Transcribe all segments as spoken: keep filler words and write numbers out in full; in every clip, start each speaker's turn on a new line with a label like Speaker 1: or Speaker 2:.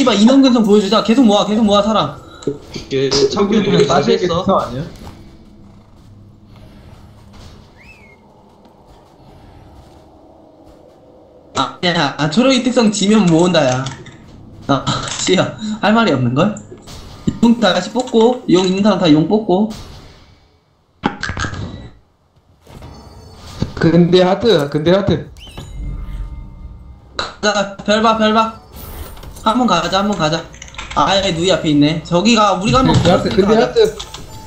Speaker 1: 씨발 인원 근성 보여주자. 계속 모아 계속 모아 사람.
Speaker 2: 얘 참기름 빠졌어.
Speaker 3: 아니야?
Speaker 1: 아, 야, 아, 초록이 특성 지면 모은다, 야. 아, 씨야, 할 말이 없는걸? 용 다시 뽑고, 용 있는 사람 다 용 뽑고.
Speaker 3: 근데 하트, 근데 하트.
Speaker 1: 가자, 별봐, 별봐. 한 번 가자, 한 번 가자. 아, 얘 누이 앞에 있네. 저기가, 우리가 한 번
Speaker 3: 근데 하트, 근데 하트.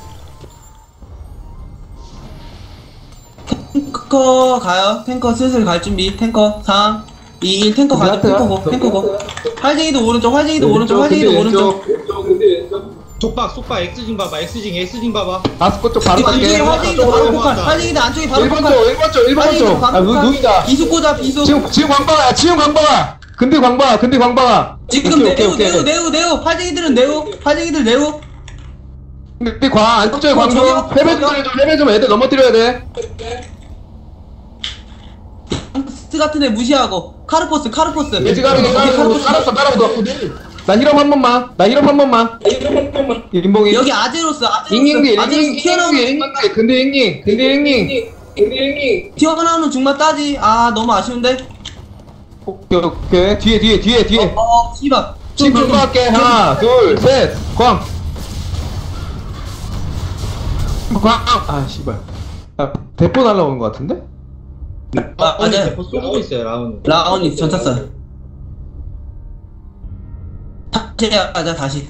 Speaker 1: 탱커 가요. 탱커 슬슬 갈 준비. 탱커 삼, 이, 일. 탱커 가죠. 탱커 고, 탱커 고. 활쟁이도 오른쪽, 활쟁이도 오른쪽, 활쟁이도 오른쪽.
Speaker 2: 속박 속박 X징 봐봐. X징 X징 봐봐.
Speaker 3: 아스코 쪽 바로
Speaker 1: 안쪽에
Speaker 3: 갈게.
Speaker 1: 활쟁이도 바로 폭발. 활쟁이도 안쪽에 바로
Speaker 3: 일 번
Speaker 1: 폭발.
Speaker 3: 쪽, 일 번 쪽, 일 번 쪽. 아, 누, 누이다.
Speaker 1: 비수 꽂아, 비수.
Speaker 3: 지금, 지금 광방아, 지금 광방아. 근데 광방아, 근데 광방아.
Speaker 1: 지금
Speaker 3: 오케이,
Speaker 1: 네오,
Speaker 3: 오케이,
Speaker 1: 네오,
Speaker 3: 오케이.
Speaker 1: 네오, 네오. 활쟁이들은 네오. 활쟁이들 네오.
Speaker 3: 근데 광, 안쪽에
Speaker 1: 어,
Speaker 3: 광 좀.
Speaker 1: 저기요?
Speaker 3: 패배 좀 해줘, 패배 좀 애들 넘어뜨려야 돼.
Speaker 1: 스 같은 애 무시하고. 카르포스, 카르포스.
Speaker 3: 돼지 가르기 깔았어, 깔았어, 깔았어. 나 힐업 한 번만. 나 힐업 한 번만. 인봉이.
Speaker 1: 여기 아제로스, 아제로스.
Speaker 3: 잉잉디,
Speaker 1: 아제로스
Speaker 3: 잉잉,
Speaker 1: 튀어나오는
Speaker 3: 잉잉,
Speaker 1: 중만
Speaker 3: 잉잉. 근데 잉잉, 근데 잉잉. 근데 잉잉.
Speaker 1: 튀어나오는 중만 따지. 아, 너무 아쉬운데.
Speaker 3: 오케이, 오케이. 뒤에, 뒤에, 뒤에, 뒤에.
Speaker 1: 어, 어, 씨발.
Speaker 3: 지금
Speaker 1: 좀, 좀,
Speaker 3: 광고할게. 하나, 둘, 셋. 광. 광. 아, 씨발. 아, 대포 날라오는 것 같은데?
Speaker 1: 아,
Speaker 2: 아니
Speaker 1: 맞아요.
Speaker 2: 대포 쏘고 있어요 라운.
Speaker 1: 라온이 전차 써요. 다시 가자, 다시.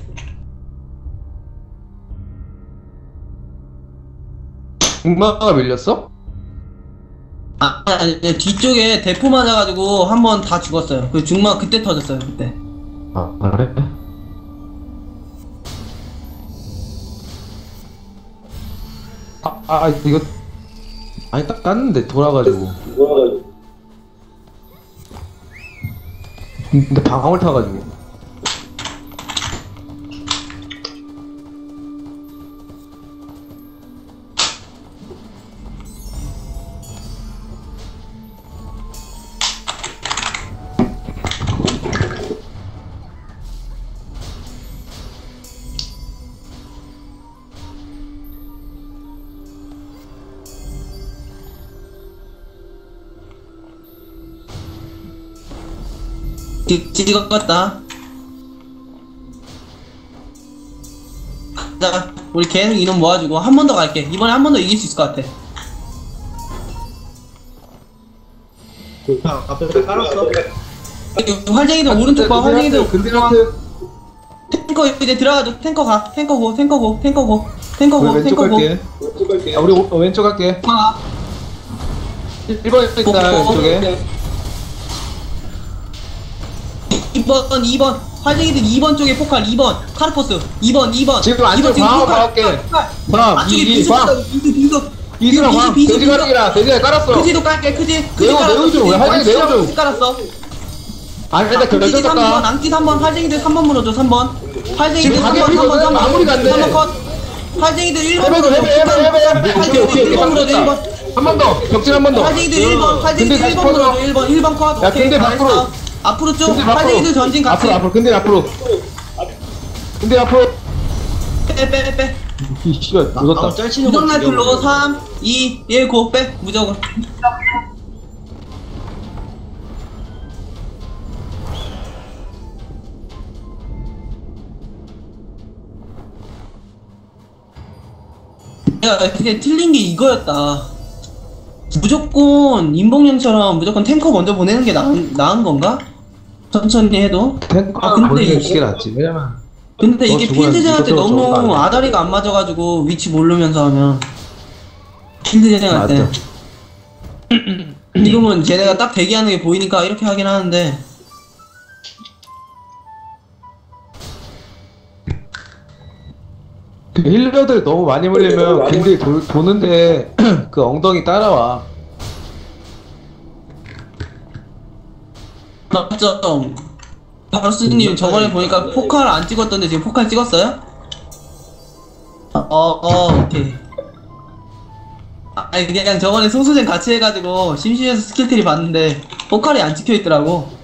Speaker 3: 중마가 밀렸어?
Speaker 1: 아, 아니, 아니, 뒤쪽에 대포 맞아가지고 한 번 다 죽었어요. 그 중마 그때 터졌어요, 그때.
Speaker 3: 아, 그래? 아, 아, 이거. 아니, 딱 땄는데, 돌아가지고. 근데 방황을 타가지고.
Speaker 1: 뒤, 찍었다. 자, 우리 계속 인원 모아주고 한 번 더 갈게. 이번에 한 번 더 이길 수 있을 것 같아.
Speaker 2: 자 앞에 깔았어.
Speaker 1: 활쟁이들 오른쪽 봐, 활쟁이들.
Speaker 3: 근데 하트.
Speaker 1: 탱커 이제 들어가죠. 탱커 가. 탱커 고, 탱커 고, 탱커 고, 탱커
Speaker 3: 우리
Speaker 1: 고,
Speaker 3: 왼쪽
Speaker 1: 탱커 고.
Speaker 3: 갈게. 아, 우리 오, 어, 왼쪽 갈게.
Speaker 1: 아,
Speaker 3: 일 번 있다, 왼쪽에.
Speaker 1: 이 번, 이 번. 활쟁이들 이 번 쪽에 포칼, 이 번. 카르포스. 이 번, 이 번.
Speaker 3: 지금 안쪽 방어 가볼게. 광,
Speaker 1: 안쪽에
Speaker 3: 이, 이,
Speaker 1: 비수,
Speaker 3: 광.
Speaker 1: 비수, 비수.
Speaker 3: 이수랑 광,
Speaker 1: 비수,
Speaker 3: 돼지
Speaker 1: 비수.
Speaker 3: 가르기랑 돼지가 깔았어.
Speaker 1: 크지도 깔게, 크지. 크지
Speaker 3: 매우,
Speaker 1: 깔았어.
Speaker 3: 매우 좀,
Speaker 1: 크지.
Speaker 3: 왜 활쟁이 매우 좀.
Speaker 1: 크지 깔았어.
Speaker 3: 아니, 근데 그
Speaker 1: 앙찌
Speaker 3: 왼쪽
Speaker 1: 삼 번,
Speaker 3: 깎아.
Speaker 1: 앙찌 삼 번, 활쟁이들 삼 번 물어줘, 삼 번. 활쟁이들
Speaker 3: 지금
Speaker 1: 삼
Speaker 3: 가게
Speaker 1: 번, 삼 번,
Speaker 3: 비거든?
Speaker 1: 삼 번.
Speaker 3: 마무리가 안 돼.
Speaker 1: 삼 번 컷. 활쟁이들 일 번
Speaker 3: 해봐,
Speaker 1: 물어줘.
Speaker 3: 해봐, 해봐, 해봐, 해봐. 오케이,
Speaker 1: 활쟁이들
Speaker 3: 오케이,
Speaker 1: 일 번
Speaker 3: 오케이.
Speaker 1: 물어줘, 일 번.
Speaker 3: 한 번 더. 격진 한 번 더.
Speaker 1: 활쟁이들 일 번, 활쟁이들
Speaker 3: 근데
Speaker 1: 일
Speaker 3: 다시
Speaker 1: 번
Speaker 3: 퍼져.
Speaker 1: 물어줘, 일 번, 일 번 컷.
Speaker 3: 야,
Speaker 1: 오케이,
Speaker 3: 근데
Speaker 1: 잘했어.
Speaker 3: 밖으로.
Speaker 1: 앞으로 쭉.
Speaker 3: 근데 앞으로.
Speaker 1: 활쟁이들 전진 같이.
Speaker 3: 앞으로, 앞으로. 근데 앞으로. 근데 앞으로.
Speaker 1: 빼, 빼, 빼.
Speaker 3: 이 씨발,
Speaker 2: 라운
Speaker 3: 묻었다.
Speaker 2: 짤치는 거.
Speaker 1: 무적 라이플로 삼, 이, 일, 고, 빼. 무적으로. 야, 그게 틀린 게 이거였다. 무조건 인봉형처럼 무조건 탱커 먼저 보내는 게 나은, 나은 건가? 천천히 해도.
Speaker 3: 탱커
Speaker 1: 아, 근데
Speaker 3: 보내는
Speaker 1: 이게-
Speaker 3: 게 낫지. 왜냐면.
Speaker 1: 근데
Speaker 3: 너
Speaker 1: 이게
Speaker 3: 죽으면
Speaker 1: 필드쟁한테
Speaker 3: 이것저것 저것도 안
Speaker 1: 너무
Speaker 3: 돼.
Speaker 1: 아다리가 안 맞아가지고 위치 모르면서 하면 필드쟁할 때
Speaker 3: 맞아.
Speaker 1: 지금은 쟤네가 딱 대기하는 게 보이니까 이렇게 하긴 하는데
Speaker 3: 그 힐러들 너무 많이 물리면 근데 도, 도는데 그 엉덩이 따라와.
Speaker 1: 맞죠? 바로스님 저번에 보니까 포칼 안 찍었던데 지금 포칼 찍었어요? 어, 어, 오케이. 아, 아니 그냥 저번에 송수전 같이 해가지고 심심해서 스킬트리 봤는데 포칼이 안 찍혀있더라고.